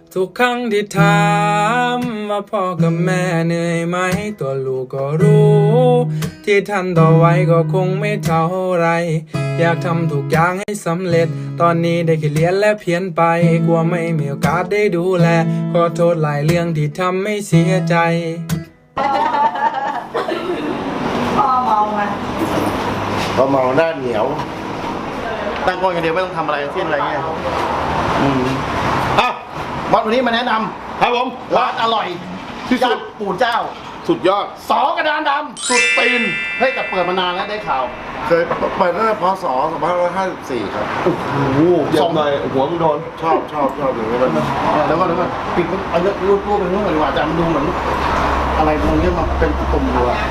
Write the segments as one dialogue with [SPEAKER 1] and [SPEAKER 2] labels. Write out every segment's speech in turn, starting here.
[SPEAKER 1] ทุกครั้งที่ถามว่าพ่อกับแม่เหนื่อยไหมตัวลูกก็รู้ ที่ท่านต่อไว้ก็คงไม่เท่าไรอยากทำทุกอย่างให้สำเร็จตอนนี้ได้แค่เรียนและเพียนไปกลัวไม่มีโอกาสได้ดูแลขอโทษหลายเรื่องที่ทำให้เสียใจ
[SPEAKER 2] พ่อเมาไหม
[SPEAKER 3] พอเมาหน้าเหนียวตั้งกล้องอย่างเดียวไม่ต้องทำอะไรทั้งสิ้นอะไรเงี้ยอ่ะวันนี้มาแนะนำครับผมร้านอร่อยที่สุดปู่เจ้าสุดยอดสอกระดานดำสุดตีนเฮ้ยแต่เปิดมานานแล้วได้ข่าวเคยเปิดตั้งแต่พศ2554ครับโอ้โหส่งเลยหัวมึงโดนชอบอย่างนี้มันแล้วก็ปิดเอารูปไปนู่นดีกว่าจะมันดูเหมือนอะไรตรงนี้มาเป็นตุ่มอยู่อะ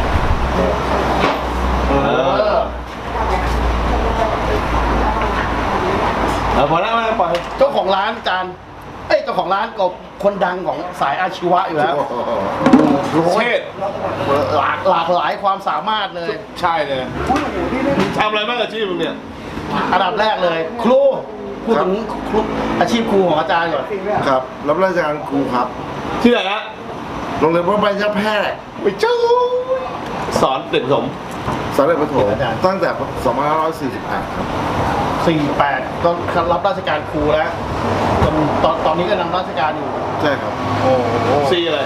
[SPEAKER 3] พอแล้วไม่ปล่อยเจ้าของร้านจานเจ้าของร้านก็คนดังของสายอาชีวะอยู่แล้วเชษหลากหลายความสามารถเลยใช่เลยทำอะไรบ้างอาชีพมึงเนี่ยอันดับแรกเลยครูพูดถึงครูอาชีพครูของอาจารย์ก่อนครับรับราชการครูครับที่ไหนฮะโรงเรียนพระบรมแพทย์ไปจู้สอนเด็กสมสอนเด็กประถมตั้งแต่2548ครับ48ก็รับราชการครูแล้วจนตอนนี้ก็นำราชการอยู่ใช่ครับโอ้ซีอะไร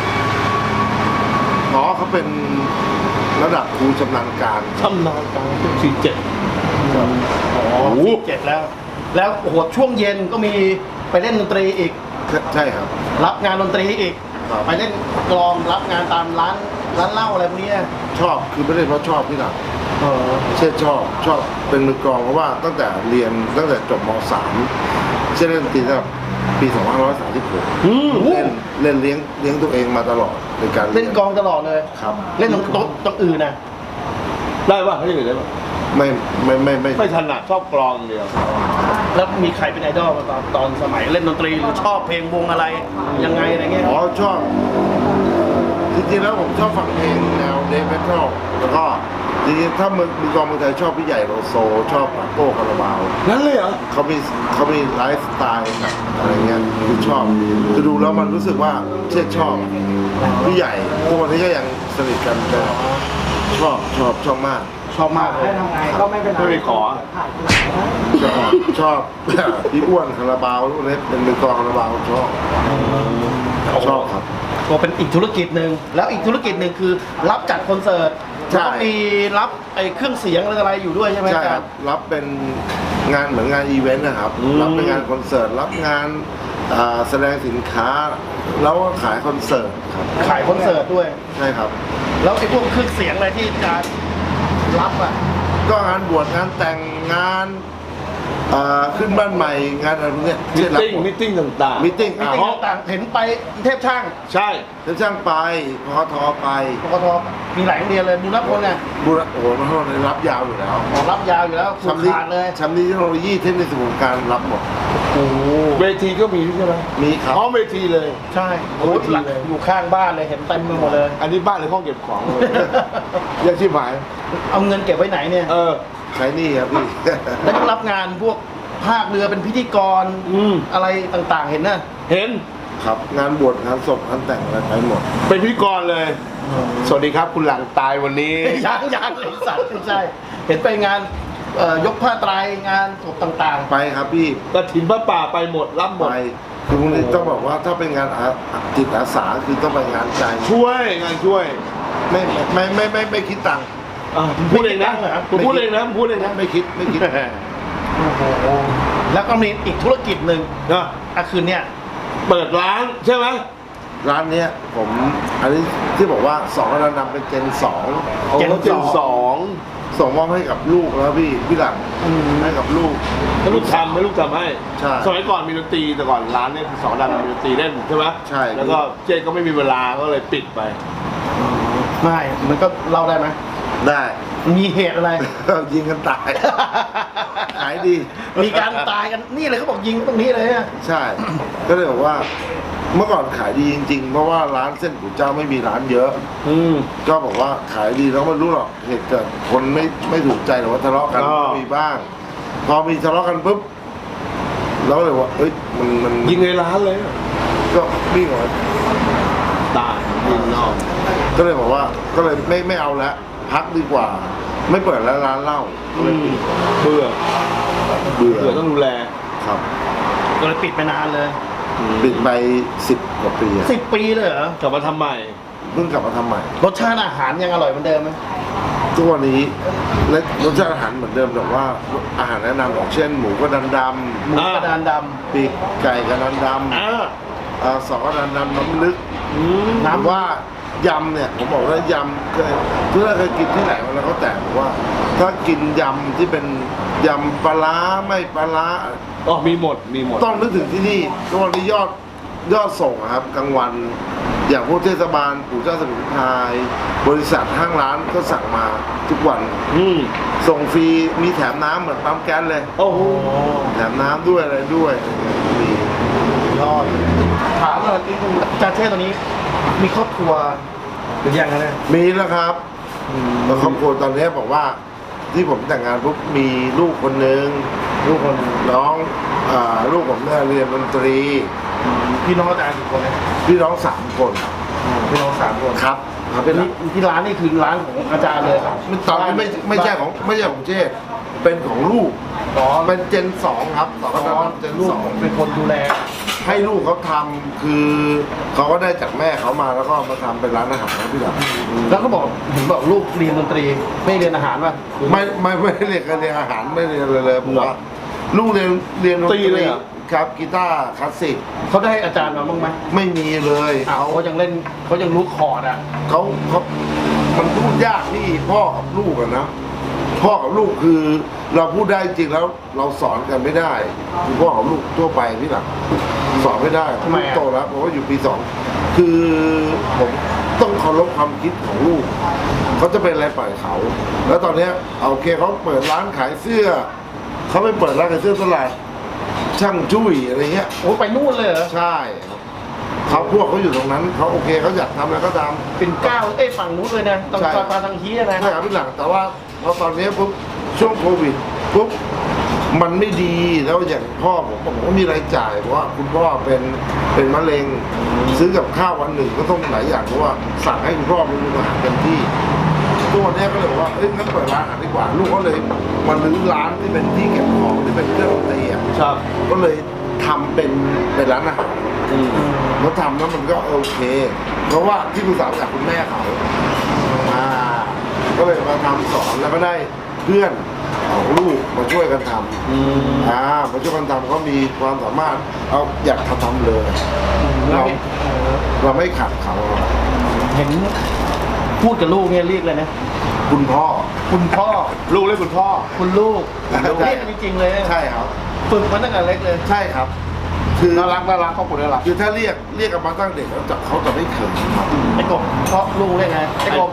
[SPEAKER 3] เขาเป็นระดับครูชำนาญการ47แล้วโอ้โหช่วงเย็นก็มีไปเล่นดนตรีอีกใช่ครับรับงานดนตรีอีกไปเล่นกลองรับงานตามร้านเหล้าอะไรพวกนี้ชอบคือไม่ได้เพราะชอบที่หลังเช่นชอบเป็นมือกลองเพราะว่าตั้งแต่เรียนตั้งแต่จบม.3 เช่นเล่นดนตรีตั้งปี2536เล่นเลี้ยงตัวเองมาตลอดในการเล่นกลองตลอดเลยครับเล่นตรงอื่นนะได้ป่ะไม่ได้เลยป่ะไม่ถนัดชอบกลองเดียวแล้วมีใครเป็นไอดอลมาตอนสมัยเล่นดนตรีหรือชอบเพลงวงอะไรยังไงอะไรเงี้ยชอบจริงๆแล้วผมชอบฟังเพลงแนวเดธเมทัลแล้วก็จริงๆถ้ามือกลองเมืองไทยชอบพี่ใหญ่โลโซชอบปาโก้คาราบาวนั่นเลยเหรอเขามีไลฟ์สไตล์อะไรเงี้ยคือชอบจะดูแล้วมันรู้สึกว่าชอบพี่ใหญ่ทุกวันนี้ก็ยังสนิทกันชอบมากเลยทำไงก็ไม่เป็นไรไม่ไปขอชอบพี่อ้วนคาราบาวพวกนี้เป็นมือกลองคาราบาวชอบครับก็เป็นอีกธุรกิจหนึ่งแล้วอีกธุรกิจหนึ่งคือรับจัดคอนเสิร์ตก็มีรับเครื่องเสียงอะไรอยู่ด้วยใช่ไหมใช่ครับรับเป็นงานเหมือนงานอีเวนต์นะครับรับเป็นงานคอนเสิร์ตรับงานแสดงสินค้าแล้วก็ขายคอนเสิร์ตครับขายคอนเสิร์ตด้วยใช่ครับแล้วไอ้พวกเครื่องเสียงอะไรที่จะรับอ่ะก็งานบวชงานแต่งงานขึ้นบ้านใหม่งานอะไรพวกนี้มิทติ้งต่างๆเห็นไปเทพช่างใช่เทพช่างไปพคทไปมีหลายโรงเรียนเลยบุรพลเนี่ยโอ้โหมันรับยาวอยู่แล้วรับยาวอยู่แล้วสุดขาดเลยชั้นนี้เทคโนโลยีเทคนิคส่วนการรับหมดโอ้เวทีก็มีใช่ไหมมีครับพร้อมเวทีเลยใช่โอ้อยู่ข้างบ้านเลยเห็นเต็มไปหมดเลยอันนี้บ้านหรือห้องเก็บของยังชิบหายเอาเงินเก็บไว้ไหนเนี่ยใช้นี่ครับพี่แล้วก็รับงานพวกภาคเรือเป็นพิธีกรอะไรต่างๆเห็นนะเห็นครับงานบวชงานศพงานแต่งอะไรไปหมดเป็นพิธีกรเลยสวัสดีครับคุณหลังตายวันนี้ยังไอ้สัตว์ไม่ใช่เห็นไปงานยกผ้าไตรงานศพต่างๆไปครับพี่กฐินพระป่าไปหมดรับหมดคือพวกนี้ต้องบอกว่าถ้าเป็นงานจิตอาสาคือต้องไปงานใจช่วยงานช่วยไม่คิดตังค์พูดเองนะพูดเองนะไม่คิดแล้วก็มีอีกธุรกิจหนึ่งคืนเนี้ยเปิดร้านใช่ไหมร้านเนี้ยผมอันนี้ที่บอกว่า2ระดับเป็นเจน2ส่งมอบให้กับลูกแล้วพี่หลังให้กับลูกให้ลูกทำให้ใช่สมัยก่อนมีดนตรีแต่ก่อนร้านเนี่ย2ระดับมีดนตรีเล่นใช่ไหมใช่แล้วก็เจนก็ไม่มีเวลาก็เลยปิดไปไม่มันก็เล่าได้ไหมได้มีเหตุอะไรยิงกันตายขายดีมีการตายกันนี่เลยเขาบอกยิงตรงนี้เลยฮะใช่ก็เลยบอกว่าเมื่อก่อนขายดีจริงๆเพราะว่าร้านเส้นก๋วยเจ้าไม่มีร้านเยอะก็บอกว่าขายดีแล้วไม่รู้หรอกเหตุเกิดคนไม่ถูกใจหรือว่าทะเลาะกันก็มีบ้างพอมีทะเลาะกันปุ๊บ
[SPEAKER 4] แล้วเลยว่าเอ้ยมัน
[SPEAKER 5] ยิงในร้านเลย
[SPEAKER 4] ก็วิ่งออกมา
[SPEAKER 5] ตายยิงนอก
[SPEAKER 4] ก็เลยบอกว่าก็เลยไม่เอาแล้วพักดีกว่า ไม่เปิดแล้วร้านเหล้าก็เลยปิด
[SPEAKER 5] เบื่อ
[SPEAKER 4] เบื่อ
[SPEAKER 5] เบื่อต้องดูแล
[SPEAKER 4] ครับ
[SPEAKER 3] ก็เลยปิดไปนานเลย
[SPEAKER 4] ปิดไป10 กว่าปีอะ
[SPEAKER 3] 10 ปีเลยเหรอก
[SPEAKER 5] ลับมาทำใหม่
[SPEAKER 4] เพิ่งกลับมาทำใหม่
[SPEAKER 3] รสชาติอาหารยังอร่อยเหมือนเดิมไหม
[SPEAKER 4] ทุกวันนี้และรสชาติอาหารเหมือนเดิมแต่ว่าอาหารแนะนำอย่างเช่น หมูกระดานด
[SPEAKER 3] หมูกระดานด
[SPEAKER 4] ำปีกไก่กระดานด
[SPEAKER 5] อ่า
[SPEAKER 4] ำสองกระดานดำน้ำลึก
[SPEAKER 3] ำ
[SPEAKER 4] ถามว่ายำเนี่ยผมบอกว่ายำเคยถ้าเคยกินที่ไหนมาแล้วก็แต่บอกว่า ถ้ากินยำที่เป็นยำปลาร้าไม่ปลาร้า
[SPEAKER 5] อ๋อมีหมดมีหมด
[SPEAKER 4] ต้องนึกถึงที่นี่ทุกวันนี้ยอดส่งอะครับกลางวัน อย่างพวกเทศบาลปู่เจ้าสมิงพรายบริษัทห้างร้านก็สั่งมาทุกวัน ส่งฟรีมีแถมน้ำเหมือนปั๊มแก๊สเลย
[SPEAKER 5] โอ้โห
[SPEAKER 4] แถมน้ำด้วยอะไรด้วยมี
[SPEAKER 3] ยอดถามว่าจาเช่ตอนนี้มีครอบครัวหรือยังนะเนี่ย
[SPEAKER 4] มีแล้วครับแล้วครอบครัวตอนนี้บอกว่าที่ผมแต่งงานปุ๊บมีลูกคนหนึ่งลูกคนน้องลูกผมเนี่ยเรียนดนตรี
[SPEAKER 3] พี่น้องอาจารย์กี่คนนะ
[SPEAKER 4] พี่น้อง3 คน
[SPEAKER 3] พี่น้อง3 คน
[SPEAKER 4] ครับ
[SPEAKER 3] เป็นที่ร้านนี่คือร้านของอาจารย์เลยครับ
[SPEAKER 4] ตอนนี้ไม่ใช่ของเจษเป็นของลูก
[SPEAKER 3] อ๋อ
[SPEAKER 4] เป็นเจน2ครับต่อกันเจน
[SPEAKER 3] ลูก
[SPEAKER 4] 2
[SPEAKER 3] เป็นคนดูแล
[SPEAKER 4] ให้ลูกเขาทำคือเขาก็ได้จากแม่เขามาแล้วก็มาทำเป็นร้านอาหารนะพี่ดา
[SPEAKER 3] แล้วก็บอกเห็นบอกลูกเรียนดนตรีไม่เรียนอาหารป่ะ
[SPEAKER 4] ไม่ได้เรียนการเรียนอาหารไม่เรียนเลยผมว่าลูกเรียนดนตรีครับกีตาร์คลาสสิก
[SPEAKER 3] เขาได้อาจารย์มาบ้างไหม
[SPEAKER 4] ไม่มีเลย
[SPEAKER 3] เขายังเล่นเขายังรู้คอร์ดอ่ะ
[SPEAKER 4] เขามันพูดยากที่พ่อกับลูกอะนะพ่อกับลูกคือเราพูดได้จริงแล้วเราสอนกันไม่ได้คือพ่อกับลูกทั่วไปพี่หลักสอนไม่ได้
[SPEAKER 3] ทำไม
[SPEAKER 4] ลูก
[SPEAKER 3] อะ
[SPEAKER 4] โตแล้วผมว่าอยู่ปี 2 คือผมต้องเคารพความคิดของลูกเขาจะเป็นอะไรปล่อยเขา แล้วตอนเนี้ยโอเคเขาเปิดร้านขายเสื้อเขาไปเปิดร้านขายเสื้อตลาดช่างจุ้ยอะไรเงี้ย
[SPEAKER 3] โอ้ไปนู่นเลยเหรอ
[SPEAKER 4] ใช่ครับเขาพวกเขาอยู่ตรงนั้นเขาโอเคเขาอยากทำอะไรก็ทำ
[SPEAKER 3] เป็นก้าวฝั่งนู้นเลยนะตรง
[SPEAKER 4] ใช่
[SPEAKER 3] ซอยปาทางฮีนะ
[SPEAKER 4] ใช่ครับพี่หลังแต่ว่าพอตอนนี้ปุ๊บช่วงโควิดปุ๊บมันไม่ดีแล้วอย่างพ่อผมก็มีรายจ่ายเพราะว่าคุณพ่อเป็นมะเร็ง ซื้อกับข้าววันหนึ่งก็ต้องหลายอย่างเพราะว่าสั่งให้คุณพ่อเป็นอาหารเต็มที่ตัวเนี้ยก็เลยบอกว่าเอ้ยงั้นเปิดร้านอาหารดีกว่า ลูกก็เลยมาลื้อร้านที่เป็นที่เก็บของที่เป็นเครื่องดนตรีอะ
[SPEAKER 5] ครับ
[SPEAKER 4] ก็เลยทำเป็นร้านอาหารเขาทำแล้วมันก็โอเค เพราะว่าที่ปรึกษาจากคุณแม่เขาก็เลยมาทำสอนแล้วก็ได้เพื่อนของลูกมาช่วยกันทำมาช่วยกันทำเขามีความสามารถเอาอยากทำเลย เราไม่ขัดเขา
[SPEAKER 3] เห็นพูดกับลูกเนี่ยเรียกเลยนะ
[SPEAKER 4] คุณพ่อ
[SPEAKER 3] คุณพ่อ
[SPEAKER 5] ลูกเรียกคุณพ่อ
[SPEAKER 3] คุณลูกเรียกกันจริงๆเลย
[SPEAKER 4] ใช่ครับ
[SPEAKER 3] ฝึกมาตั้งแต่เล็กเลย
[SPEAKER 4] ใช่ครับ คือ
[SPEAKER 5] น่ารักครอบครัวน่ารัก
[SPEAKER 4] คือถ้าเรียกกันมาตั้งเด็กแล้วเขาจะไม่เขินครับ
[SPEAKER 3] ไอ้กบเพราะลูกเรียกไงไอ้กบ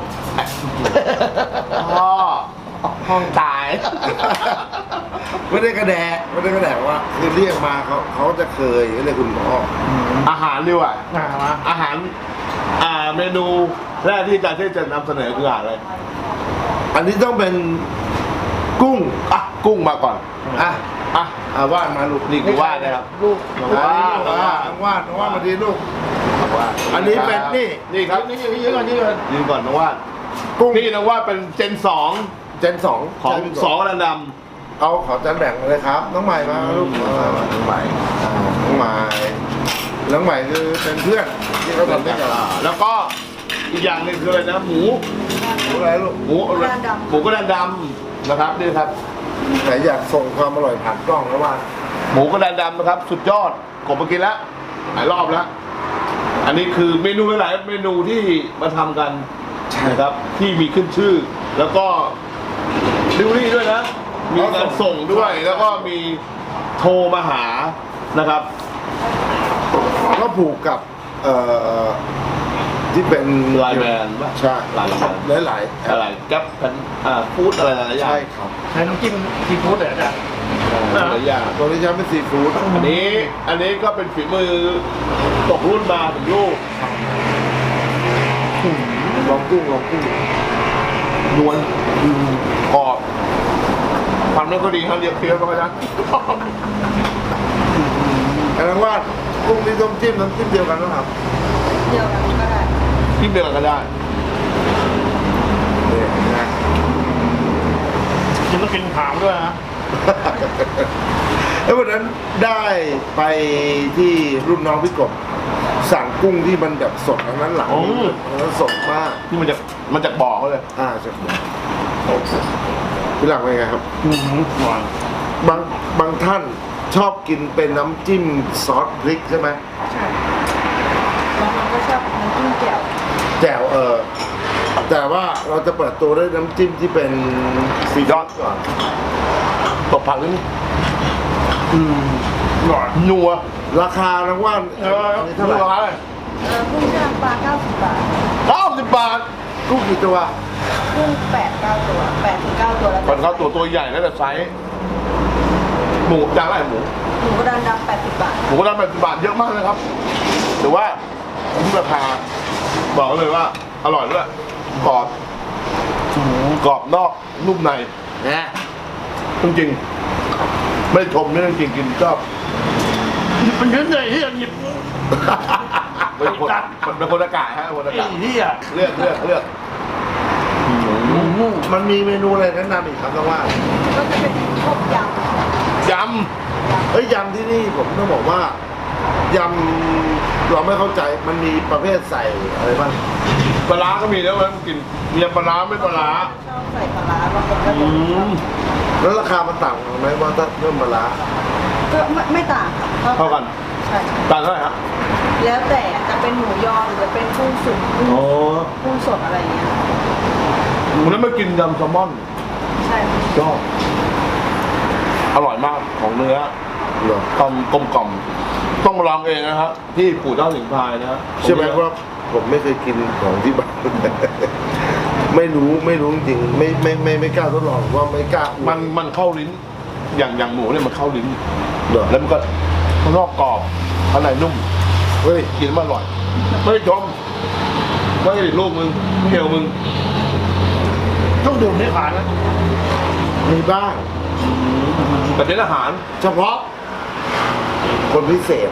[SPEAKER 5] พ่อห้องตาย
[SPEAKER 4] ไม่ได้กระแดะว่าคือเรียกมาเขาจะเคยเรียกคุณพ่อ
[SPEAKER 5] อาหารดีกว่า
[SPEAKER 3] มา
[SPEAKER 5] อาหารเมนูแรกที่อาจารย์เทพจะนำเสนอคืออาหารอะไร
[SPEAKER 4] อันนี้ต้องเป็นกุ้ง
[SPEAKER 5] อ่ะกุ้งมาก่อน
[SPEAKER 4] อ่ะ
[SPEAKER 5] อ่ะ
[SPEAKER 4] ว่านมาลูก
[SPEAKER 5] นี่คือว่านนะครับ
[SPEAKER 3] ลูก
[SPEAKER 5] น้อง
[SPEAKER 4] ว่าน
[SPEAKER 5] ว่าน
[SPEAKER 4] ว่านมาดีลูก
[SPEAKER 5] ว่าน
[SPEAKER 4] อันนี้เป็นนี่
[SPEAKER 5] นี่ครับ
[SPEAKER 3] นี่ยืนก่อนยืนก่อน
[SPEAKER 5] ยืนก่อนน้องว่าน
[SPEAKER 4] กุ้ง
[SPEAKER 5] นี่น้องว่านเป็นเจน 2
[SPEAKER 4] เจน 2
[SPEAKER 5] ของสองระด
[SPEAKER 4] เอาขอจานแบ่งเลยครับ น้องใหม่มาลูกน้องใหม่น้องใหม่คือเป็นเพื่อนที่เขา
[SPEAKER 5] ำ
[SPEAKER 4] ทำด้วยกัน
[SPEAKER 5] แล้วก็อีกอย่างหนึ่งคืออะไรนะหมู
[SPEAKER 4] อะไรลูก
[SPEAKER 5] หมูกระดานดำนะครับนี่ครับ
[SPEAKER 4] แต่อยากส่งความอร่อยผ่านกล้องแล้วว่า
[SPEAKER 5] หมูกระดานดำนะครับ สุดยอดกบมากินแล้วหลายรอบแล้ว อันนี้คือเมนูหลายๆเมนูที่มาทำกันนะครับ ที่มีขึ้นชื่อ แล้วก็ดิวรี่ด้วยนะ มีการส่งด้วย แล้วก็มีโทรมาหานะครับ
[SPEAKER 4] ก็ผูกกับที่เป็น
[SPEAKER 5] ไลน์แมนป่ะ
[SPEAKER 4] ใช่
[SPEAKER 5] ไลน์แมน
[SPEAKER 4] หลาย
[SPEAKER 5] อะไรแก๊ปกันฟู้ดอะไรหลายๆอย่าง
[SPEAKER 4] ใช่ครับ
[SPEAKER 3] ใช้น้ำจิ้มซีฟู้ดเหรออาจารย์
[SPEAKER 5] หลายอย่าง
[SPEAKER 4] ตัวนี้ใช้เป็นซีฟู้ด
[SPEAKER 5] อันนี้ก็เป็นฝีมือตกรุ่นมาถึงลูก
[SPEAKER 4] ลองกุ้ง
[SPEAKER 5] นวลกรอบความนั้นก็ดีครับเรียบเคี้ยวก็ได้
[SPEAKER 4] อันนั้นว่ากุ้งที่ต้มจิ้มน้ำจิ้มเดียวกันนะครับ
[SPEAKER 2] เดียวกันก็ได้
[SPEAKER 5] ที่เดียวกันก็ได้
[SPEAKER 4] นี่นะ
[SPEAKER 3] กินต้องกินหางด้วยนะ
[SPEAKER 4] แล้ววันนั้นได้ไปที่รุ่นน้องพี่กบสั่งกุ้งที่มันแบบสดอันนั้นหลังอันนั้นสดมาก
[SPEAKER 5] ที่มันจากบ่อเขาเลย
[SPEAKER 4] ใช่พี่หลังเป็นไงครับ
[SPEAKER 3] หวาน
[SPEAKER 4] บางท่านชอบกินเป็นน้ำจิ้มซอสพริกใช่ไหม
[SPEAKER 2] ใช่บางคนก็ชอบน้ำจิ้มแจ่ว
[SPEAKER 4] แจ่วแต่ว่าเราจะเปิดตัวด้วยน้ำจิ้มที่เป็นซีดอสก่อน
[SPEAKER 5] ตบผักนิดนึง
[SPEAKER 3] หวาน
[SPEAKER 5] นัว
[SPEAKER 4] ราคานะว่าอันนี้เท่าไหร่
[SPEAKER 5] เท่าไหร่
[SPEAKER 2] กุ้งย่างปลา90 บาท
[SPEAKER 5] 90 บาท
[SPEAKER 4] กุ้งกี่ตัว
[SPEAKER 2] กุ้ง8-9 ตัว8 ถึง 9 ตัวแล้ว
[SPEAKER 5] ก่อนเข้าตัวใหญ่แล้วแต่ไซส์หมูจานอะไรหมู
[SPEAKER 2] หมูกระดานดำ80 บาท
[SPEAKER 5] หมูกระดาน80 บาทเยอะมากเลยครับแต่ว่าที่ราคาบอกเลยว่าอร่อยด้วยกรอบกรอบนอกนุ่มใน
[SPEAKER 4] นะ
[SPEAKER 5] จริงๆไม่ชมไม่จริงกินชอบ
[SPEAKER 3] มันเยอะเลยที่หยิบ
[SPEAKER 5] เป็นคนมันเป็นคนอากาศฮะคนอากาศ
[SPEAKER 3] ที่อ่ะ
[SPEAKER 5] เลือก
[SPEAKER 4] มันมีเมนูอะไรแนะนำอีกครับน้องว่า
[SPEAKER 2] ก็จะเป็นพวกย
[SPEAKER 5] ย
[SPEAKER 4] เฮ้ยยำที่นี่ผมต้องบอกว่ายำเราไม่เข้าใจมันมีประเภทใส่อะไรบ้าง
[SPEAKER 5] ำปลาร้าก็มีแล้วมันกินมีปลาร้าไม่ปลาร้า
[SPEAKER 2] ำชอบใส่ปลาร้าบางคนก็จะชอบ
[SPEAKER 4] แล้วราคามันต่างกันไหมว่าถ้าเพิ่มปลาร้า
[SPEAKER 2] ก็ไม่ต่างค่ะ
[SPEAKER 5] เท่ากัน
[SPEAKER 2] ใช่
[SPEAKER 5] ต่างเท่าไหร่ฮะ
[SPEAKER 2] แล้วแต่จะเป็นหมูยอหรือจะเป็นกุ้งสุกกุ้งสดอะไรอย่างเงี้ย
[SPEAKER 5] วันนั้นมากินยำแซลมอน
[SPEAKER 2] ใช่ค่ะ
[SPEAKER 5] ชอบอร่อยมากของเนื้อ
[SPEAKER 4] เหรอ
[SPEAKER 5] ความกลมกล่อมต้องมาลองเองนะครับที่ปู่เจ้าสิงห์พายนะฮะ
[SPEAKER 4] ใช่ไหมว่าผมไม่เคยกินของที่บ้าน ไม่รู้จริงๆไม่กล้าทดลองว่าไม่กล้าอวด
[SPEAKER 5] มันเข้าลิ้น อย่างหมูเนี่ยมันเข้าลิ้น
[SPEAKER 4] เหรอ
[SPEAKER 5] แล้วมันก็ข้างนอกกรอบข้างในนุ่ม
[SPEAKER 4] เฮ้ย
[SPEAKER 5] กินแล้วมันอร่อย ไม่ได้ชมไม่ได้ลูกมึงเหี่ยวมึง
[SPEAKER 3] ต้องดื่มให้ผ่านนะ
[SPEAKER 4] มีบ้าง
[SPEAKER 5] แต่เป็นอาหาร
[SPEAKER 4] เฉพาะ คนพิเศษ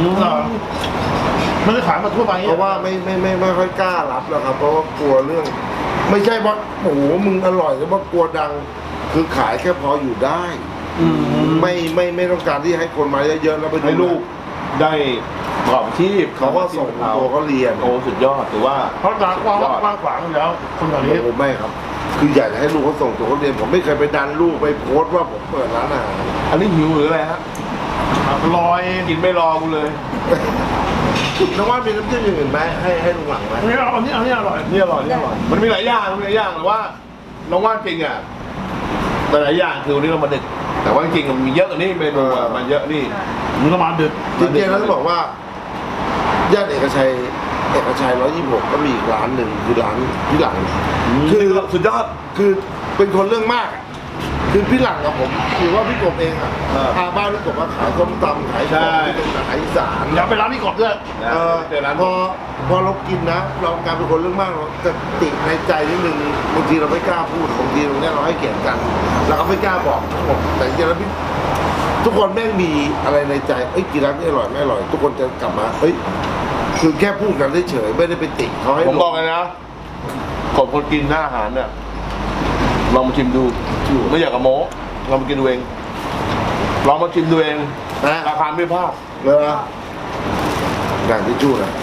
[SPEAKER 3] มันจะขายมาทั่วไป
[SPEAKER 4] เพราะว่าไม่ค่อยกล้ารับแล้วครับ เพราะว่ากลัวเรื่อง ไม่ใช่ว่าโอ้โหมึงอร่อยแล้วว่ากลัวดัง คือขายแค่พออยู่ได้ ไม่ต้องการที่ให้คนมาเยอะๆแล้วไปดู
[SPEAKER 5] ให้ลูกได้ประกอบอาชีพ
[SPEAKER 4] เขาก็ส่งตัวเขาเรียน
[SPEAKER 5] โอ้สุดยอดถือว่า
[SPEAKER 3] เพราะร้านกว้างขวางอยู่แล้ว คนแถวนี้
[SPEAKER 4] ผมไม่ครับ คืออยากจะให้ลูกเขาส่งตัวเขาเรียน ผมไม่เคยไปดันลูกไปโพสต์ว่าผมเปิดร้านอาหาร
[SPEAKER 5] อันนี้หิวหรืออะไรฮะ
[SPEAKER 3] ลอย
[SPEAKER 5] กินไม่รอกูเลย
[SPEAKER 4] น้องว่ามีน้ำจิ้มอย่างอื่นไหมให้ลุงหลังไหม
[SPEAKER 3] อันนี้อร่อย
[SPEAKER 5] นี่อร่อยนี่อร่อย มันมีหลายอย่างแต่ว่าน้องว่าจริงอ่ะแต่หลายอย่างคือวันนี้เรามาดึก แต่ว่าจริงๆมันมีเยอะกว่านี้เมนูอะมันเยอะนี่
[SPEAKER 3] มึงก็มาดึก
[SPEAKER 4] จริงๆแล้วต้องบอกว่าย่านเอกชัย126ก็มีอีกร้านหนึ่งคือร้านพี่หลัง
[SPEAKER 5] คือสุดยอด
[SPEAKER 4] คือเป็นคนเรื่องมากอะคือพี่หลังกับผมคือว่าพี่กบเองอ่ะ
[SPEAKER 5] เออ
[SPEAKER 4] พาบ้านพี่กบมาขายส้มตำขายของที่เป็นอาหารอีสาน
[SPEAKER 3] อย่าไปร้านนี้ก่อนด้วย
[SPEAKER 4] เออ
[SPEAKER 5] เจอร้าน
[SPEAKER 4] พอเรากินนะ เรากลายเป็นคนเรื่องมากเราจะติดในใจนิดนึงบางทีเราไม่กล้าพูดบางทีตรงเนี้ยเราให้เกียรติกันเราก็ไม่กล้าบอกทั้งหมดแต่จริงๆแล้วพี่ทุกคนแม่งมีอะไรในใจเอ้ยกินร้านนี้อร่อยไม่อร่อย ทุกคนจะกลับมาเอ้ยคือแค่พูดกันเฉยๆไม่ได้ไปติเขาให้
[SPEAKER 5] ผม
[SPEAKER 4] ล
[SPEAKER 5] บอกเลยนะก่อนคนกินหน้าอาหารเนี่ยลองมาชิมดูไม่อยากกับโม้ลองมากินดูเองลองมาชิมดูเอง
[SPEAKER 4] นะ
[SPEAKER 5] ราคาไม่พลาด
[SPEAKER 4] เลยนะการที่จู้นะ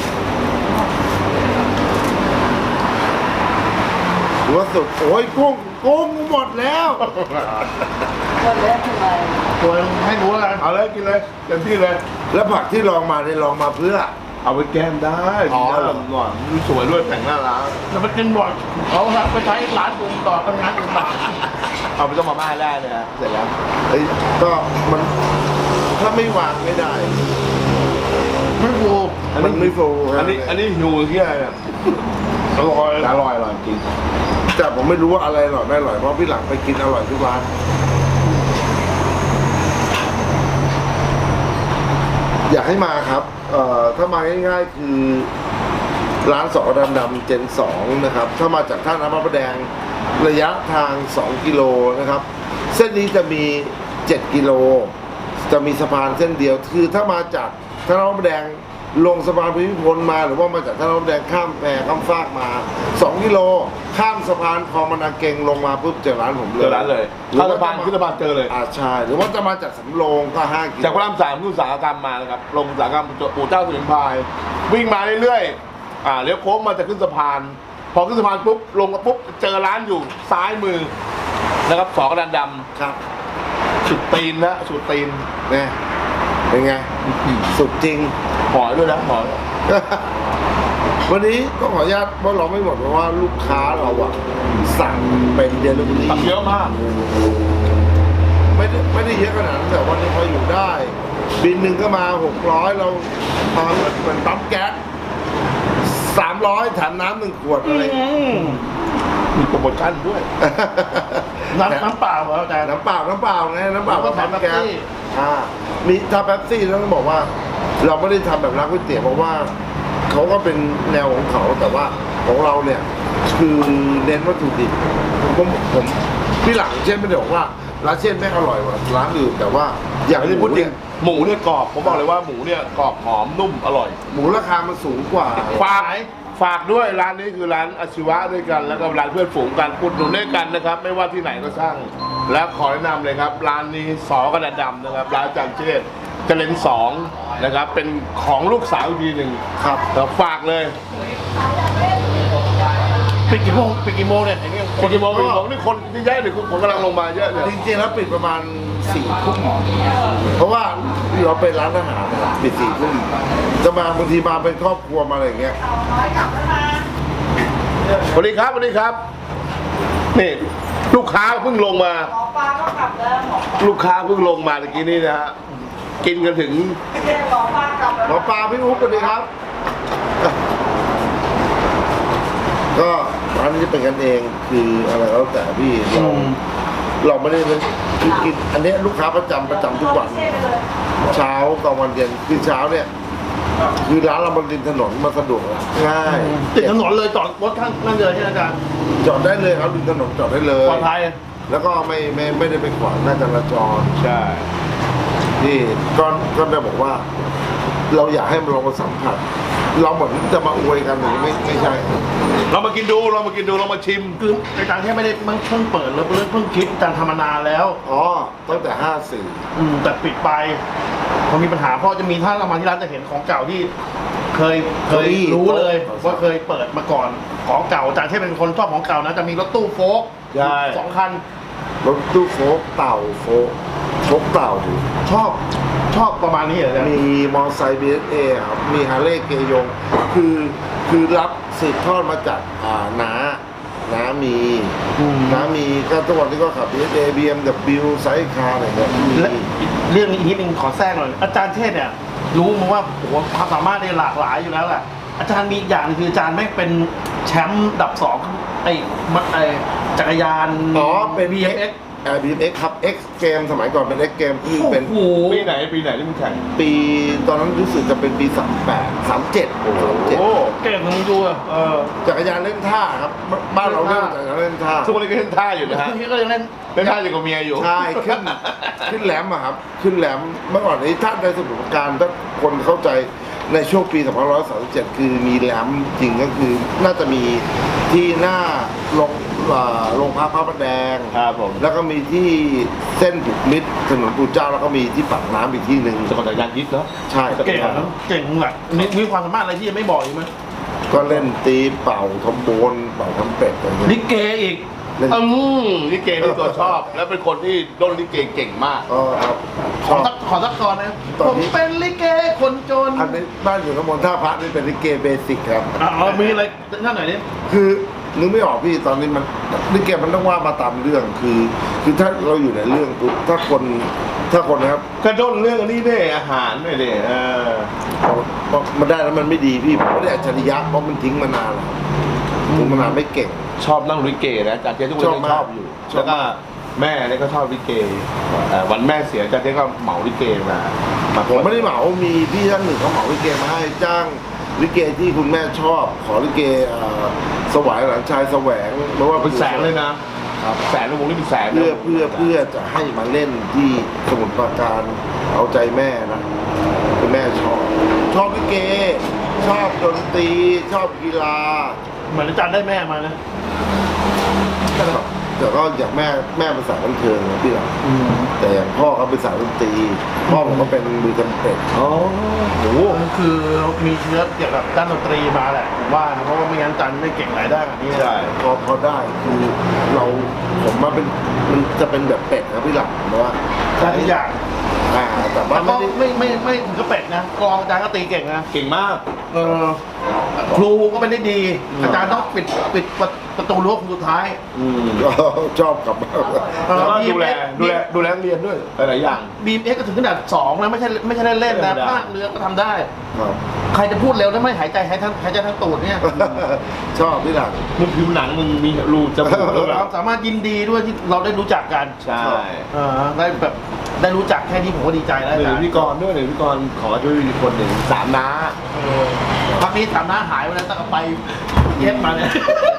[SPEAKER 4] หัวสุดโอ้ยกุ้งหมดแล้ว
[SPEAKER 2] คนแรกทำไม
[SPEAKER 3] ตัวให้รู้แล้วกัน
[SPEAKER 5] เอาเลยกินเลยเต็มที่เลย
[SPEAKER 4] แล้วผักที่ลองมาเนี่ยลองมาเพื่อ
[SPEAKER 5] เอาไปแก้มได้
[SPEAKER 4] อ๋อ
[SPEAKER 5] ดีนะหน่อยดูสวยด้วยแต่งหน้าร้าน
[SPEAKER 3] จะไปกินบ่อยเขาไปใช้ร้านกูต่อทำงานกูต่อ
[SPEAKER 5] เอาไปต้มมาม่าได้เลยนะเสร็จแล้ว
[SPEAKER 4] เอ้ยก็มันถ้าไม่วางไม่ได้
[SPEAKER 3] ไม่กู
[SPEAKER 4] มันไม่ฟู
[SPEAKER 5] อันนี้หิวที่อะไรเนี่ย
[SPEAKER 3] อร่อย
[SPEAKER 5] อร่อยจริง
[SPEAKER 4] แต่ผมไม่รู้ว่าอะไรอร่อยไม่อร่อยเพราะพี่หลังไปกินอร่อยทุกร้านอยากให้มาครับถ้ามาง่ายๆคือร้านสอดำๆเจน2นะครับถ้ามาจากท่าน้ำพระประแดงระยะทาง2 กิโลนะครับเส้นนี้จะมี7 กิโลจะมีสะพานเส้นเดียวคือถ้ามาจากถนนพระประแดงลงสะพานภูมิพลมาหรือว่ามาจากถนนพระประแดงข้ามแพข้ามฟากมา2 กิโลข้ามสะพานคลองมะนาเกงลงมาปุ๊บเจอร้านผมเลย
[SPEAKER 5] เจอร้านเลยเข้าสะพานขึ้นสะพานเจอเลย
[SPEAKER 4] ใช่หรือว่าจะมาจากสำโรงก็5 กิโล
[SPEAKER 5] จากพระราม3ขึ้นอุตสาหกรรมมานะครับลงอุตสาหกรรมปู่เจ้าสมิงพรายวิ่งมาเรื่อยๆเลี้ยวโค้งมาจะขึ้นสะพานพอขึ้นสะพานปุ๊บลงมาปุ๊บเจอร้านอยู่ซ้ายมือนะครับสอกระดานดำ
[SPEAKER 4] ครับ
[SPEAKER 5] สุดตีนนะสุดตีน
[SPEAKER 4] เนี่ยเป็นไงสุดจริง
[SPEAKER 5] หอยด้วยนะหอย
[SPEAKER 4] วันนี้ก็ขออนุญาตเพราะเราไม่หมดเพราะว่าลูกค้าเราอะสั่งเป็นเดลิเวอรี่
[SPEAKER 5] ตักเยอะมาก
[SPEAKER 4] ไม่ได้เยอะขนาดนั้นแต่วันนี้พออยู่ได้ บินหนึ่งก็มา600เราเหมือนปั๊มแก๊ส300แถมน้ำ1 ขวดอะไร
[SPEAKER 5] มีโปรโมชั่นด้วย
[SPEAKER 3] น้ำเปล่าเหรออาจารย์
[SPEAKER 4] น้ำเปล่าไงน้ำเปล่า
[SPEAKER 3] แล้วก็
[SPEAKER 4] ปั๊มแก๊ส
[SPEAKER 3] แถมเป๊ปซี่
[SPEAKER 4] มีถ้าแป๊บซี่ต้องบอกว่า เราไม่ได้ทำแบบร้านก๋วยเตี๋ยวเพราะว่าเขาก็เป็นแนวของเขาแต่ว่าของเราเนี่ยคือเน้นวัตถุดิบผมพี่หลังเช่นไม่ได้บอกว่าร้านเช่นแม่งอร่อยกว่าร้านอื่นแต่ว่าอย่าง
[SPEAKER 5] อันนี้พูดจริงหมูเนี่ยกรอบผมบอกเลยว่าหมูเนี่ยกรอบหอมนุ่มอร่อย
[SPEAKER 4] หมูราคามันสูงกว่า
[SPEAKER 5] ฝากด้วยร้านนี้คือร้านอาชีวะด้วยกันแล้วก็ร้านเพื่อนฝูงกันอุดหนุนด้วยกันนะครับ ไม่ว่าที่ไหนก็ช่างและขอแนะนำเลยครับร้านนี้สอกระดาษดำนะครับร้านอาจารย์เชษฐ์เจริญ2นะครับเป็นของลูกสาวอีกทีหนึ่ง
[SPEAKER 4] ครับ
[SPEAKER 5] แต่ฝากเลย
[SPEAKER 3] ปิดกี่โมงเนี่ยเห็นยัง
[SPEAKER 5] คนกี่โมงนี่คนที่ย้ายหรือคนกำลังลงมาเยอะเนี่ย
[SPEAKER 4] จริงๆแล้วปิดประมาณ4 ทุ่มเพราะว่าเราเป็นร้านอาหารนะครับปิด4 ทุ่มจะมาบางทีมาเป็นครอบครัวมาอะไรอย่างเงี้ย
[SPEAKER 5] สวัสดีครับสวัสดีครับนี่ลูกค้าเพิ่งลงมา
[SPEAKER 2] หมอปลาก็กลับแล้วหมอ
[SPEAKER 5] ลูกค้าเพิ่งลงมาเมื่อกี้นี่นะฮะกินกันถึง
[SPEAKER 2] หมอปลากลับแล้ว
[SPEAKER 4] หมอปลาพี่อุ๊บสวัสดีครับ ก็ร้านนี้จะเป็นกันเองคืออะไรก็แล้วแต่พี่เราไม่ได้คือกินอันเนี้ยลูกค้าประจำทุกวัน เช้ากลางวันเย็นคือเช้าเนี่ยคือร้านเราบนริมถนนมาสะดวกง่าย
[SPEAKER 3] ติดถนนเลยจอดรถข้างนั่นเลยใช่ไหมอาจารย์
[SPEAKER 4] จอดได้เลยครับริมถนนจอดได้เลย
[SPEAKER 3] ปลอดภัย
[SPEAKER 4] แล้วก็ไม่ได้ไปขวางหน้าจราจร
[SPEAKER 5] ใช่
[SPEAKER 4] นี่ก็ได้บอกว่า เราอยากให้มันลองมาสัมผัส เราเหมือนจะมาอวยกันหรือไม่ใช่
[SPEAKER 5] เรามากินดูเรามาชิม
[SPEAKER 3] คืออาจารย์แค่ไม่ได้เพิ่งเปิดแล้วเพิ่งคิดอาจารย์ทำมานานแล้ว
[SPEAKER 4] อ๋อตั้งแต่
[SPEAKER 3] แต่ปิดไปพอมีปัญหาเพราะจะมีถ้าเรามาที่ร้านจะเห็นของเก่าที่เคยรู้เลยว่าเคยเปิดมาก่อนของเก่าอาจารย์แค่เป็นคนชอบของเก่านะจะมีรถตู้โฟล์ค
[SPEAKER 5] ใช่
[SPEAKER 3] 2 คัน
[SPEAKER 4] 54รถตู้โฟกเต่าโฟกเต่า
[SPEAKER 3] ชอบประมาณนี้เหรออาจารย์
[SPEAKER 4] มีมอเตอร์ไซค์ BSA ครับมีฮาร์เลย์เกยงคือรับสืบทอดมาจากน้ามีก็ทุกวันนี้ก็ขับ BSA BMW ไซส์คาร์อะไรเงี้ย
[SPEAKER 3] และเรื่องนี้อีกนิดนึงขอแทรกหน่อยอาจารย์เทศเนี่ยรู้มาว่าโอ้โหความสามารถเนี่ยหลากหลายอยู่แล้วแหละอาจารย์มีอีกอย่างหนึงคืออาจารย์ไม่เป็นแชมป์อันดับ 2ไอ้จักรยาน
[SPEAKER 4] อ๋อเป็น
[SPEAKER 3] BMX
[SPEAKER 4] BMX ครับ X เกมสมัยก่อนเป็น X เกมคือเป็น
[SPEAKER 3] โอ้โห
[SPEAKER 5] ปีไหนที่มึงแข่ง
[SPEAKER 4] ปีตอนนั้นรู้สึกจะเป็นปี38 37
[SPEAKER 5] โอ้
[SPEAKER 3] เก่งมึงดูอะ
[SPEAKER 4] จักรยานเล่นท่าครับบ้านเราเล่นจักรยานเล่นท่า
[SPEAKER 5] ทุกวันนี้ก็เล่นท่าอยู่นะฮะ
[SPEAKER 3] พี่ก็ยังเล่น
[SPEAKER 5] เล่นท่าอยู่กับเมียอยู่
[SPEAKER 4] ใช่ขึ้นแหลมอะครับขึ้นแหลมเมื่อก่อนนี้ท่านในสมุทรปราการถ้าคนเข้าใจในช่วงปี2537คือมีแหลมจริงก็คือน่าจะมีที่หน้าโรงพักพระประแดง
[SPEAKER 5] ครับผม
[SPEAKER 4] แล้วก็มีที่เส้นบุกมิตรถนนปู่เจ้าแล้วก็มีที่ปากน้ำอีกที่หนึ่ง
[SPEAKER 5] สกอตจักรยานยิดเนาะ
[SPEAKER 4] ใช่
[SPEAKER 3] เก่งนะเก่งแบบมีความสามารถอะไรที่ยังไม่บอกอีกไหม
[SPEAKER 4] ก็เล่นตีเป่าทอมโบนเป่าทำเป็ดอะไรเงี้ย
[SPEAKER 3] ลิเกอีก
[SPEAKER 4] เล่น
[SPEAKER 5] ลิเกนี่ตัวชอบ แล้วเป็นคนที่ด้นลิเกเก่งมาก
[SPEAKER 4] ครับช
[SPEAKER 3] ขอ
[SPEAKER 4] อบ
[SPEAKER 3] สักกรนะ
[SPEAKER 4] ตอน
[SPEAKER 3] ผม
[SPEAKER 4] นี้
[SPEAKER 3] เป็นลิเกคนจน
[SPEAKER 4] อันนี้บ้านอยู่น้ำมนต์ท่าพระนี่เป็นลิเกเบสิกครับ
[SPEAKER 3] มีอะไรนั่นหน่อยดิ
[SPEAKER 4] คือนึกไม่ออกพี่ตอนนี้มันลิเกมันต้องว่ามาตามเรื่องคือถ้าเราอยู่ในเรื่องปุ๊บถ้าคนนะครับ
[SPEAKER 5] กระด้นเรื่องอันนี้ได้อาหารด้วยดิ
[SPEAKER 4] มันได้แล้วมันไม่ดีพี่ผมไม่ได้อัจฉริยะเพราะมันทิ้งมานานแล้วทิ้งมานานไม่เก่ง
[SPEAKER 5] ชอบนั่งลิเกนะจากเจ๊ทุกคน
[SPEAKER 4] ชอบ
[SPEAKER 5] ยัง
[SPEAKER 4] มาก
[SPEAKER 5] ชอบอยู่
[SPEAKER 4] ชอบ
[SPEAKER 5] แล้วก็แม่เนี่ยก็ชอบลิเกวันแม่เสียจากเจ๊ก็เหมาลิเกมา
[SPEAKER 4] ผมไม่ได้เหมามีพี่ท่านหนึ่งเขาเหมาลิเกมาให้จ้างลิเกที่คุณแม่ชอบขอลิเกสวายหลานชายแสวงไม่ว่า
[SPEAKER 5] เป็นแสนเลยนะ
[SPEAKER 4] คครับ
[SPEAKER 5] แสนวงนี่เป็นแสนนะ
[SPEAKER 4] เพื่อจะให้มาเล่นที่สมุทรปราการเอาใจแม่นะคือแม่ชอบลิเก ชอบดนตรีชอบกีฬา
[SPEAKER 3] เหมือนอาจารย์ได้แม่มานะ
[SPEAKER 4] แต่ก็อย่างแม่เป็นสายบันเทิงนะพี่หลังแต่อย่างพ่อเขาเป็นสายดนตรีพ่อผมก็เป็นมือจำเป็น
[SPEAKER 5] อ๋อ
[SPEAKER 3] โอ้โหคือมีเชื้อเกี่ยวกับด้านดนตรีมาแหละผมว่านะเพราะว่าไม่งั้นอาจารย์ไม่เก่งหลายด้านแบบนี้
[SPEAKER 5] ใช่
[SPEAKER 4] พอได้คือผมมาเป็นมันจะเป็นแบบเป็ดนะพี่หลังเพราะว่า
[SPEAKER 3] ได้ทุกอย่าง
[SPEAKER 4] แต่ว่า
[SPEAKER 3] แต่ก็
[SPEAKER 4] ไม่ได้
[SPEAKER 3] ไม่ถึงกับเป็ดนะกลองอาจารย์ก็ตีเก่งนะ
[SPEAKER 5] เก่งมาก
[SPEAKER 3] ครูก็ไม่ได้ดี อาจารย์ต้องปิดประตูรั้วคนสุดท้าย
[SPEAKER 4] ก็ชอบกลับมา
[SPEAKER 5] แล้วก็ดูแลนักเรียนด้วยหลายๆอย่าง
[SPEAKER 3] BMX ก็ถึงขนาด2นะไม่ใช่เล่นๆนะ
[SPEAKER 5] ธรรมดา
[SPEAKER 3] ภาคเรือก็ทำได้
[SPEAKER 4] ครับ
[SPEAKER 3] ใครจะพูดเร็วแล้วไม่หายใจหายใจทั้งตูดเนี่ย
[SPEAKER 4] ชอบพี่หลัง
[SPEAKER 5] มึงผิวหนังมึงมีรูจมูกด้วย
[SPEAKER 3] เราสามารถยินดีด้วยที่เราได้รู้จักกัน
[SPEAKER 5] ใช่
[SPEAKER 3] ได้แบบได้รู้จักแค่นี้ผมก็ดีใจแล้ว
[SPEAKER 5] ห
[SPEAKER 3] อา
[SPEAKER 5] นึ่
[SPEAKER 3] จาง รย์
[SPEAKER 5] พี่กรณ์ด้วยหนึ่งพี่กรณ์ขอช่วยคนหนึ่ง3 น้า
[SPEAKER 3] พักนี้ถามหน้าหายไปแล้วตั้งแต่ไปเย็บมาเนี่ย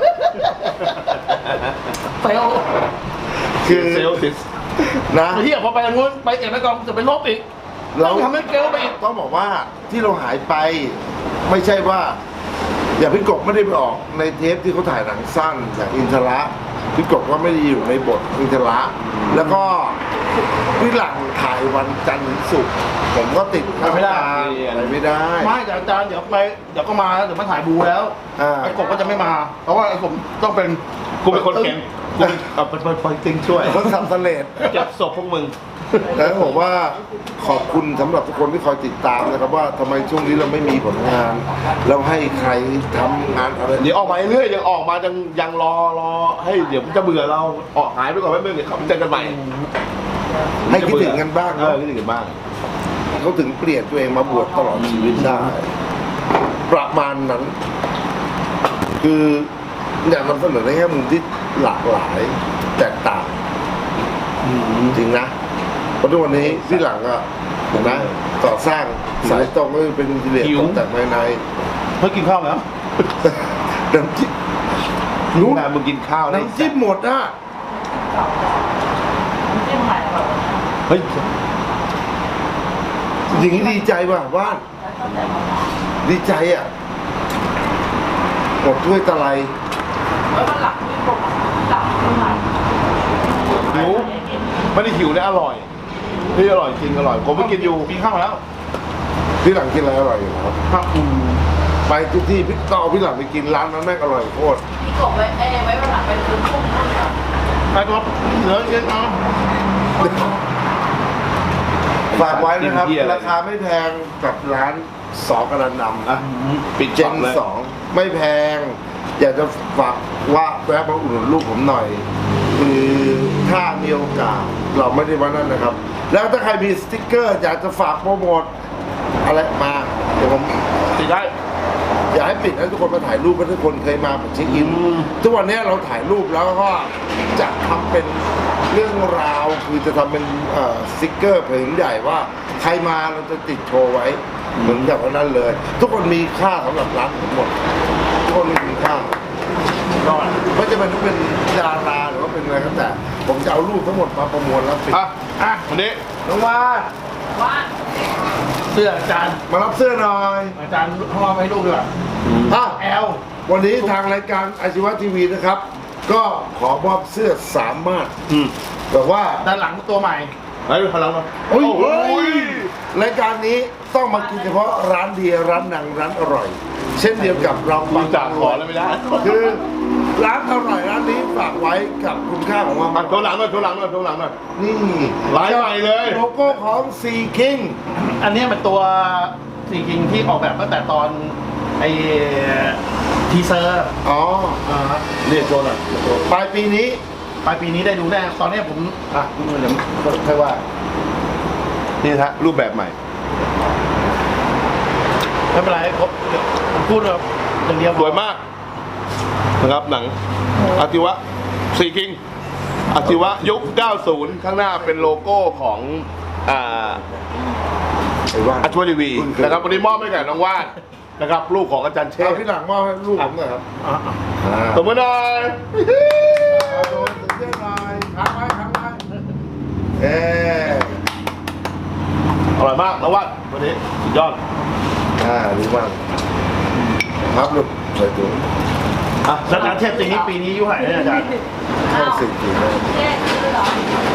[SPEAKER 3] เฟล
[SPEAKER 4] คือ
[SPEAKER 5] เซลติส
[SPEAKER 4] นะ
[SPEAKER 3] ที่พอไปทางนู้นไปเอกไปกองจะเป็นลบอีก
[SPEAKER 4] เรา
[SPEAKER 3] ต้องทำให้เกลไปอีก
[SPEAKER 4] ต้องบอกว่าที่เราหายไปไม่ใช่ว่า อย่างพี่กบไม่ได้ไปออกในเทปที่เขาถ่ายหนังสั้นอย่างอินทระพี่กบก็ไม่ได้อยู่ในบทอินทระแล้วก็พี่หลังถ่ายวันจันทร์ถึงศุกร์ผมก็ติดไปไม่ได้
[SPEAKER 3] ไม่แต่อาจารย์เดี๋ยวก็มาแล้วเดี๋ยวมาถ่ายบูแล้ว
[SPEAKER 4] อ่า
[SPEAKER 3] ไอ้กบก็จะไม่มา เพราะว่าไอ้ผมต้องเป็น
[SPEAKER 5] กูเป็นคนเข็นกูเป็นติงช่วย
[SPEAKER 4] เขาทำสำเร็จ
[SPEAKER 5] เก็บศพพวกมึง
[SPEAKER 4] แล้วผมว่าขอบคุณสำหรับทุกคนที่คอยติดตามนะครับว่าทำไมช่วงนี้เราไม่มีผลงาน เราให้ใครทำงานอะไร
[SPEAKER 5] เดี๋ยวออกมาเรื่อยๆยังออกมายังรอให้เดี๋ยวมันจะเบื่อเราออกหายไปก่อนแป๊บนึงเดี๋ยวเขาเจอกันใหม่
[SPEAKER 4] ให้คิดถึงกันบ้าง
[SPEAKER 5] เอ
[SPEAKER 4] เนาะ
[SPEAKER 5] อคิดถึงกันบ้าง
[SPEAKER 4] เขาถึงเปลี่ยนตัวเองมาบวชตลอดชีวิตได้ ประมาณนั้น คืออยากนำเสนอในแง่มุมที่หลากหลายแตกต่างจริงนะเพราะทุกวันนี้ที่หลังอะเห็นไหมก่อสร้างสายตรงก็เป็นอินเดีย
[SPEAKER 5] หิว
[SPEAKER 4] ตกแต่งภายใน
[SPEAKER 3] เพิ่งกินข้าวแล้ว
[SPEAKER 4] น้ำจิ้ม
[SPEAKER 5] รู้นะมึงกินข้าวแล้ว
[SPEAKER 4] น้ำจิ้มหมดอะ
[SPEAKER 5] เฮ้ย
[SPEAKER 4] อย่างนี้ดีใจว่ะว่านดีใจอะหมดถ้วยตะไล
[SPEAKER 5] หิวไม่ได้หิวนะอร่อยนี่อร่อยจริงอร่อยผมไปกินอยู่
[SPEAKER 3] กินข้าวแล้ว
[SPEAKER 4] พี่หลังกินอะไรอร่อยอยู่ครับ
[SPEAKER 3] ครับ
[SPEAKER 4] ไปทุกที่พี่ต้องเอาพี่หลังไปกินร้านนั้นแม่งอร่อยโคตร
[SPEAKER 2] พี่กบไว้ไว้วันหลังเป็นคือพุ่งพุ่งครับ
[SPEAKER 3] ไปตัวเหลือเยอะเอา
[SPEAKER 4] ฝากไว้นะครับ ราคาไม่แพงกับร้านสอกระนำ
[SPEAKER 5] อ่ะปิด
[SPEAKER 4] เจ
[SPEAKER 5] ช็อน ปเลย
[SPEAKER 4] สองไม่แพง อยากจะฝากว่าแวะมาอุดหนุนลูกผมหน่อย คือถ้ามีโอกาสเราไม่ได้ว่านั่นนะครับ แล้วถ้าใครมีสติ๊กเกอร์อยากจะฝากโปรโมทอะไรมาเดี๋ยวผม
[SPEAKER 5] ติดได้
[SPEAKER 4] อยากให้ปิดให้ทุกคนมาถ่ายรูปเพราะทุกคนเคยมาแบบเช็คอินทุกวันนี้เราถ่ายรูปแล้วก็จะทำเป็นเรื่องราวคือจะทำเป็นสติ๊กเกอร์ผืนใหญ่ว่าใครมาเราจะติดโชว์ไว้เหมือนกับวันนั้นเลย ทุกคนมีค่าสำหรับร้านผมหมดทุกคนมีค่าไม่จะเป็นดาราหรือว่าเป็นอะไรก็แต่ผมจะเอารูปทั้งหมดมาประมวลแล้วปิด
[SPEAKER 5] อ่ะวันนี้
[SPEAKER 4] น้องว่า
[SPEAKER 2] ว่า
[SPEAKER 3] เสื้ออาจารย์
[SPEAKER 4] มารับเสื้อหน่อย
[SPEAKER 3] อาจารย์ห้องให้ลูกด้วย
[SPEAKER 4] อ่ะ
[SPEAKER 3] แอล
[SPEAKER 4] วันนี้ทางรายการอาชีวะทีวีนะครับ ก็ขอมอบเสื้อสามารถแต่ว่า
[SPEAKER 3] ด้านหลังตัวใหม่
[SPEAKER 5] ไปดูพลังหน่อย
[SPEAKER 4] โอ้ยรายการนี้ต้องมากินเฉพาะร้านเดียวร้านหนังร้านอร่อย เช่นเดียวกับเรา
[SPEAKER 5] กูจากขอแล้วไม่ได้
[SPEAKER 4] คือร้านอร่อยร้านนี้ฝากไว้กับคุณค่าของความ
[SPEAKER 5] มาโทรหลังหน่อยโทรหลังหน่อยโทรหลังหน่อย
[SPEAKER 4] นี่
[SPEAKER 5] ลายใหม่เลย
[SPEAKER 4] โลโก้ของซีคิง
[SPEAKER 3] อันนี้เป็นตัวสีกิงที่ออกแบบตั้งแต่ตอนไอ้ทีเซอร์
[SPEAKER 4] อ๋อ
[SPEAKER 5] นี่โทรหน่อย
[SPEAKER 4] ปลายปีนี้
[SPEAKER 3] ปลายปีนี้ได้ดูแน่ตอนนี้ผมเดี๋ยวค่อยว่า
[SPEAKER 5] นี่ฮะรูปแบบใหม่
[SPEAKER 3] ไม่เป็นไรครบผมพูดแบบอย่างเดียว
[SPEAKER 5] สวยมากนะครับหนังอาทิวะซีคิงอาทิวะยุค 90 ข้างหน้าเป็นโลโก้ของ
[SPEAKER 4] ไอ้ว่าน
[SPEAKER 5] อาชีวะทีวีนะครับวันนี้มอบให้กับน้องว่านนะครับลูกของอาจารย์เช
[SPEAKER 4] เอา
[SPEAKER 5] ษ
[SPEAKER 4] พี่หลังมอบให้ลูกผมหน่อยครับ
[SPEAKER 5] สมมติหน่อย
[SPEAKER 4] เอาโดนเชื่อหน่อยค้างไว้เอ๊ะ
[SPEAKER 5] อร่อยมากแล้วว่าวันนี้สุดยอด
[SPEAKER 4] ดีมากครับลูกใส่ถุง
[SPEAKER 3] อ่ะแล้วการเทพจริงนี้ปีนี้อายุเท่าไหร่เนี่ยอาจารย์
[SPEAKER 4] 54แล้ว
[SPEAKER 2] แยกคือเหรอ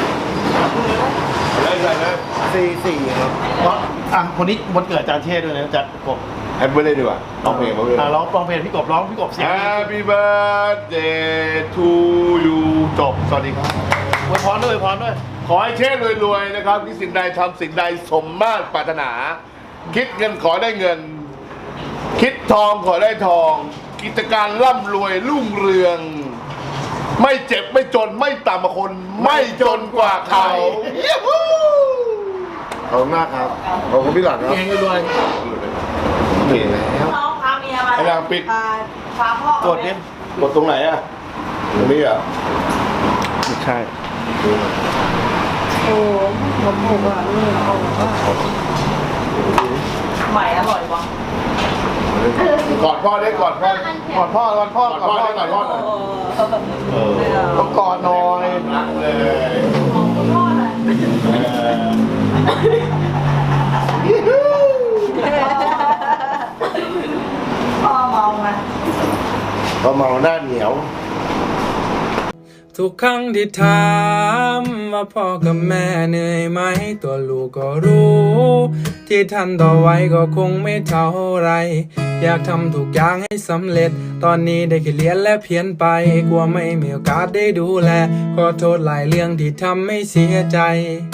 [SPEAKER 5] ได้ใส่เลย
[SPEAKER 4] 44ครับ
[SPEAKER 3] เพราะคนนี้วันเกิดอาจารย์เทพด้วยนะอาจารย์กบ
[SPEAKER 5] แฮปปี้เลยดีกว่าร้องเพลงมาเลย
[SPEAKER 3] ร้องเพลงพี่กบร้องพี่กบเสียงดี
[SPEAKER 5] Happy birthday to you จบ สวัสดีครับ
[SPEAKER 3] อวยพรด้วยอวยพรด้วย
[SPEAKER 5] ขอให้เช่รวยๆนะครับที่สิ่งใดทำสิ่งใดสมมาตรปรารถนา คิดเงินขอได้เงิน คิดทองขอได้ทอง กิจการร่ำรวยรุ่งเรือง ไม่เจ็บไม่จนไม่ต่ำกว่าคน ไม่จนกว่าเขา
[SPEAKER 4] ขอบคุณมากครับขอบคุณพี่หลังครับ
[SPEAKER 3] เก่งรวย
[SPEAKER 4] เก่งแล้ว
[SPEAKER 2] น้องพาเมียมา
[SPEAKER 5] ไอ้นางปิด
[SPEAKER 2] พาพ่อก
[SPEAKER 3] ดเนี่ย
[SPEAKER 5] กดตรงไหนอ่ะ ตรงนี้อ่ะ
[SPEAKER 3] ไม่ใช่
[SPEAKER 2] โอ้ผมถูกอ่ะเอาแบบว่าใหม่อร่อยวะ
[SPEAKER 5] กอดพ่อได้กอดพ่อ
[SPEAKER 3] กอดพ่อกอดพ่อก
[SPEAKER 5] อดพ่อได้กอดพ่อหน่อย
[SPEAKER 3] ต้องกอดหน่อย
[SPEAKER 5] รักเลย
[SPEAKER 2] ของคุณพ่อน่ะ พ่อเมาไง
[SPEAKER 4] พอเมาหน้าเหนียว
[SPEAKER 1] ทุกครั้งที่ถามว่าพ่อกับแม่เหนื่อยไหมตัวลูกก็รู้ ที่ท่านต่อไว้ก็คงไม่เท่าไร อยากทำทุกอย่างให้สำเร็จ ตอนนี้ได้แค่เรียนและเพียนไป กลัวไม่มีโอกาสได้ดูแล ขอโทษหลายเรื่องที่ทำให้เสียใจ